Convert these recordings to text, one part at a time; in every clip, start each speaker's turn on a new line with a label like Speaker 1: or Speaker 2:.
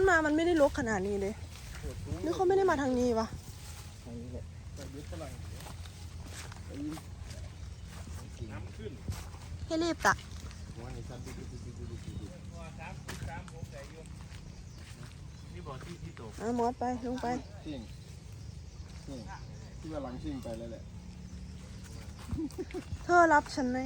Speaker 1: มามันไม่ได้รกขนาดนี้เลยหรือเขาไม่ได้มาทางนี้วะ
Speaker 2: ทางนี้แหละน้ำขึ้น
Speaker 1: ให้รีบตะมอสไปลงไป
Speaker 3: ชิ่งที่ว่าหลังชิ่งไปแล้วแหละ
Speaker 1: เธอรับฉันใน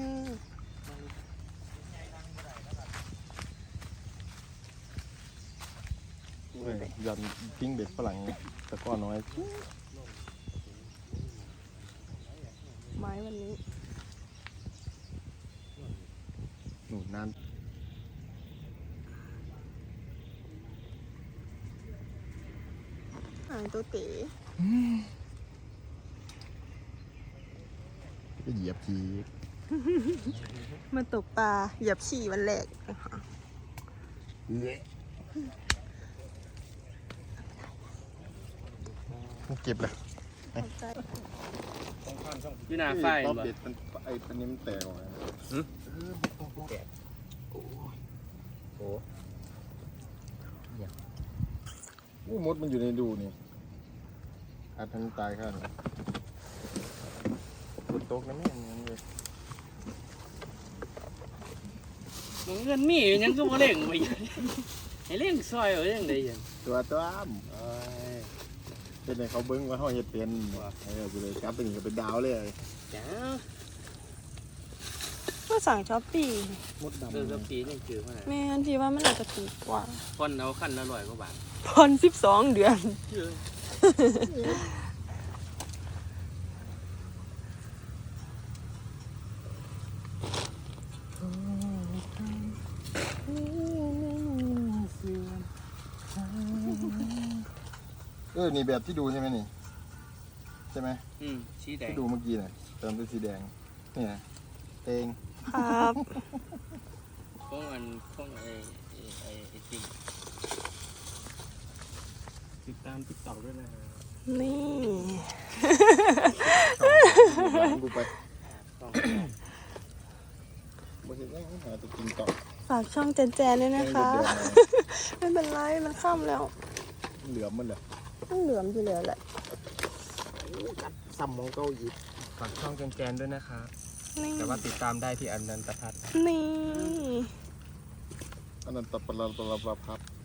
Speaker 3: ยันทิ้งเบ็ดฝรั่งตะก้อน้อย
Speaker 1: ไม้วันนี้
Speaker 3: หนูนาน
Speaker 1: หายตัวเต๋
Speaker 3: ก็เหยียบที
Speaker 1: มาตกปลาเหยียบฉี่วันแรก
Speaker 3: เก็บเลย
Speaker 2: พี่นาไฟ
Speaker 3: รอบเบ็ดมันไอ้ปันนี้มันแตกออกแตกโอ้มดมันอยู่ในดูนี่อาจทำตายข้างฝนตกนะแม่ยังเลย
Speaker 2: เงินมียังก็มาเล่งไปให้เล่งซอยเอาเล่งได้ยัง
Speaker 3: ตัวอ้ำเป็นไงเขาเบิ้งว่าเขาเห็ดเป็นกูเลยกลับไปนี่ก็เป็นดาวเลย
Speaker 2: จ้า
Speaker 1: ก็สั่งช้อปปี้
Speaker 3: มดดำ
Speaker 2: ช้อปปี้นี่คือว่า
Speaker 1: แม่อันพี่ว่ามันอาจจะถูกกว่า
Speaker 2: พอนเอาขั้นละ100 กว่าบาท
Speaker 1: ผ่อน12 เดือน
Speaker 3: นี่แบบที่ดูใช่ไหมนี่ใช่ไหม
Speaker 2: สีแดง
Speaker 3: ที่ดูเมื่อกี้น่ะเติมเป็นสีแดงนี่นะเอง
Speaker 1: ครับ
Speaker 2: ของไอ้จริงติดตามติ๊กต็อกด้วยนะ
Speaker 1: นี่
Speaker 3: กูไปบ่เห็นได้หาตัวจริงต่อ
Speaker 1: ฝากช่องแจนด้วยนะคะไม่เป็นไรมันค่ำแล้ว
Speaker 3: เหลือมมันเหรอ
Speaker 1: ต้องเหลือมอยู่แล้วแหละ
Speaker 3: ซ้ำมองเก้าอีก
Speaker 2: ฝากช่องแจนด้วยนะคะแต่ว่าติดตามได้ที่อนันตพัฒน์
Speaker 1: นี่
Speaker 3: อนันตพัฒน์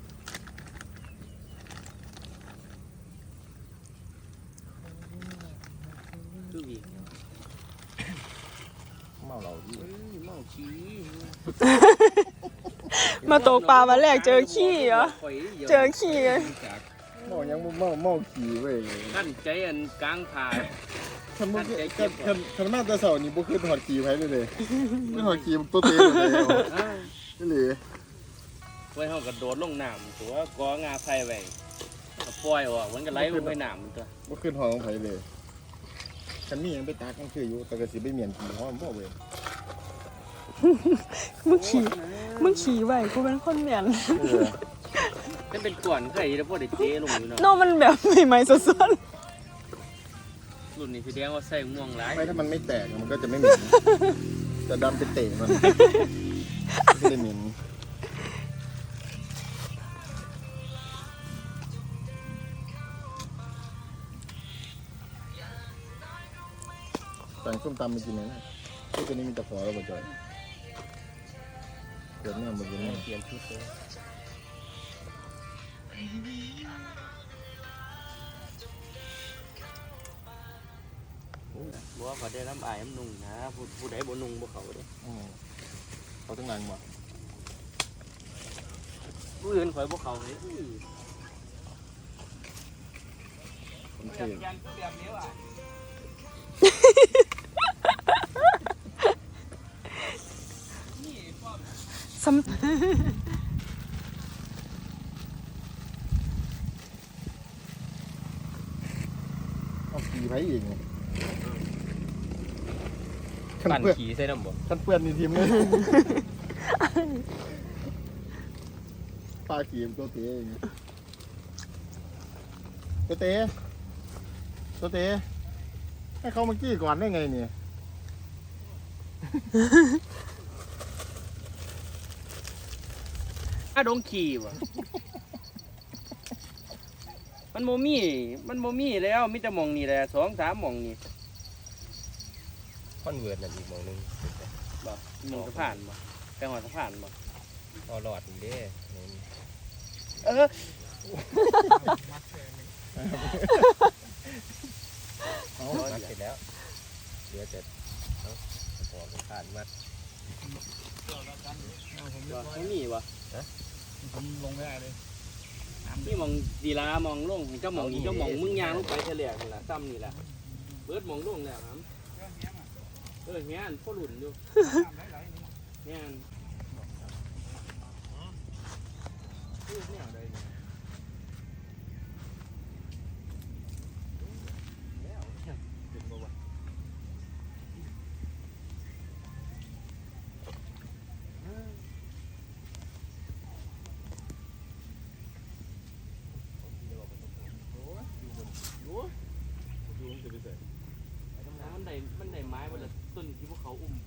Speaker 2: ดูอีก
Speaker 3: เมาเหล้าดิ
Speaker 2: เมาขี้
Speaker 1: มาตกปลาวันแรกเจอขี้เหรอเจอขี้เลย
Speaker 3: เมายังเมาขี้เว้ย
Speaker 2: ขั้นใจอันกลางผ่า
Speaker 3: คันมาแต่เสาร์นี่บ่คือถอดขี้ไว้เลยไม่ถอดขี้ตัวเต้เลยนี่เลย
Speaker 2: ไว้เขากระโดดลงน้ำตัวกองาไผ่ไว้ปล่อยออกมันก็ไหลลงไปน้ำมันตัว
Speaker 3: บ่ขึ้นหอของไผเลยฉันมียังไปตากกันคืออยู่แต่ก็สิไปเมียนขี้หอมบ่เว้ย
Speaker 1: มึงขี่ไว้กูเป็นคนเหมียน
Speaker 2: ถ้าเป็นก่อนเคยแล้วพวกเด็กเจ๊ลงอยู่เนาะ
Speaker 1: นอกมันแบบใหม่ๆสด
Speaker 2: ๆรุ่นนี้แสดงว่าใส่ม่วงหลาย
Speaker 3: ไม่ถ้ามันไม่แตกมันก็จะไม่เหม็นจะดำไปเตะมันไม่ได้เหม็นสั่งส้มตำมากินไหมนะที่ตัวนี้มีตะขอแล้วบ่จอยเกิดแม่หมดเลย
Speaker 2: เปลี่ยนชุดเลยบอกว่าเขาได้น้ำอายน้ำนุ่งนะผู้ใดบ่นุ่งบ่เขาเด้
Speaker 3: เขาต้องนั่งบ่
Speaker 2: ผู้อื่นข่อยบ่เขาเลยยันก็แบบนี้ว่ะ
Speaker 3: เอาขี่ไปอีกไง
Speaker 2: ปั่นขี่ใส่น้ำบ่
Speaker 3: ท่านเพื่อนในทีมเลยปลาขี่ตัวเต๋เองตัวเต๋ให้เขามากี้ก่อนได้ไงเนี่ย
Speaker 2: ดงขี่ว่ะมันโมมี่แล้วมีแต่หมองนี่แหละ2-3หมองนี่
Speaker 4: คอนเวิร์ตนั่นอีกหมองหนึง
Speaker 2: บ่หมองสะพานบ่ไปหอดสะพานบ่
Speaker 4: พอหลอดนี่เด้
Speaker 2: เออ
Speaker 3: เอา
Speaker 4: มัดเสร็จแล้วเหลือแต่เอาพอผ่านมัด
Speaker 2: บ่มีบ่
Speaker 5: ผมลงไม่ได้เลย
Speaker 2: นี่หมองดีลามองลงเจ้าหมองนี่เจ้าหมองมึงยางลงไปเฉลี่ยนี่ล่ะซ้ำนี่แหละเบิดหมองลงแล้วครับแม่นพ่อหลุนอยู่แม่นมันได้ไม้วันละต้นที่พวกเขาอุ้ม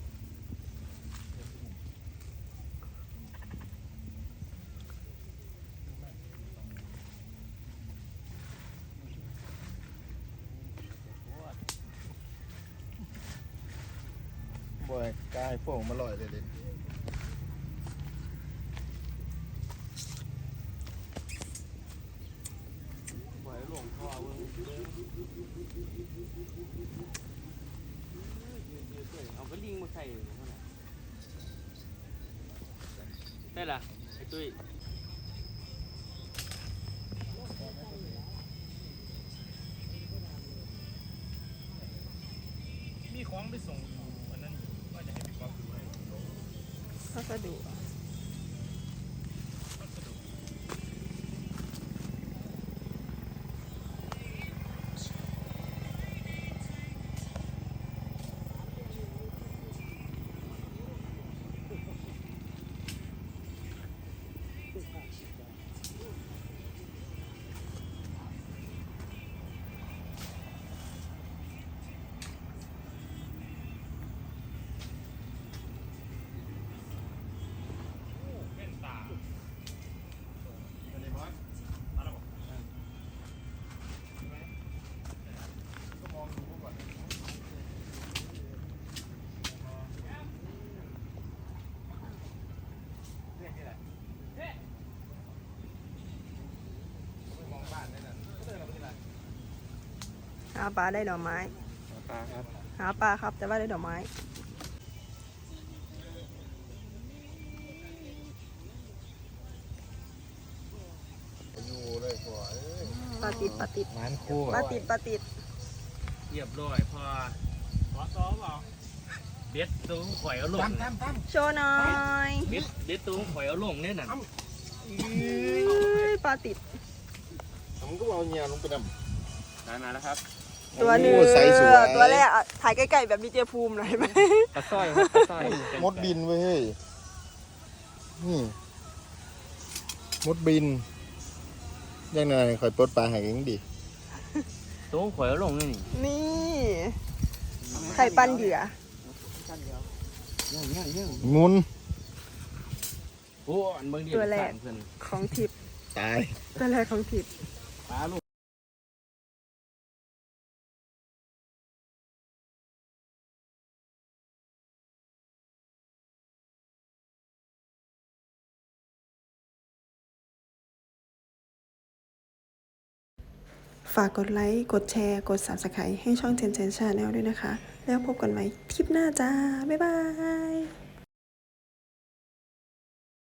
Speaker 3: บ่อยกายพวกมาลอยเลยเด็
Speaker 2: ปล่อยหลวงพ่อเว้ยเอากระลิงมาใส่เท่าไหร่ได้ล่ะไอ้ตุ้ย
Speaker 5: มีของไปส่งวันนั้นว่าจะให้พี่ก๊อฟดูให้
Speaker 1: พัสดุ
Speaker 5: เป็นตา
Speaker 3: ก็มองดูก่อน
Speaker 1: หาปลาได้ดอกไม้
Speaker 2: ปลาครับ
Speaker 1: หาปลาครับแต่ว่าได้ดอกไม้
Speaker 3: อยู่เลยพ่อเอ้ย
Speaker 1: ปลาติดปลาติด
Speaker 4: มันคู่
Speaker 1: ปลาติดปลาติด
Speaker 2: เรียบร้อยพอ
Speaker 5: ขอซ้อมเปล่า
Speaker 2: เบ็ดตัวข่อยเอาลง
Speaker 1: โชว์หน่อย
Speaker 2: เบ็ดตัวข่อยเอาลงเนี่ยน่ะ
Speaker 1: ปลาติด
Speaker 3: ผมก็เอาเงียลงไปด
Speaker 2: ได้มาแล้วครับ
Speaker 3: ำ
Speaker 1: ตัวหนึ่ง
Speaker 3: โอ้ใสสวย
Speaker 1: ตัวแรกอ่ะถ่ายใกล้ๆแบบดีเจภูมิหน่อยไหม
Speaker 2: ปลาสร้อยครับปลาสร้อย
Speaker 3: มดบินเว้ยเฮ้ยนี่มดบินยังไงคอยปลดปลาหายเองดิ
Speaker 2: ตัวข่อยเอาลงนี่
Speaker 1: นี่ไข่ปั้นเหยื่อ
Speaker 3: มุน
Speaker 2: โอ้อันเบิ่งดีเพิ่น
Speaker 1: ของทิพย์
Speaker 3: ตาย
Speaker 1: ตัวแรกของทิพย์
Speaker 2: ปลาลูก
Speaker 1: ฝากกดไลค์ กดแชร์ กด Subscribe ให้ช่องเจนเจนชาแนลด้วยนะคะ แล้วพบกันใหม่คลิปหน้าจ้า บ๊ายบาย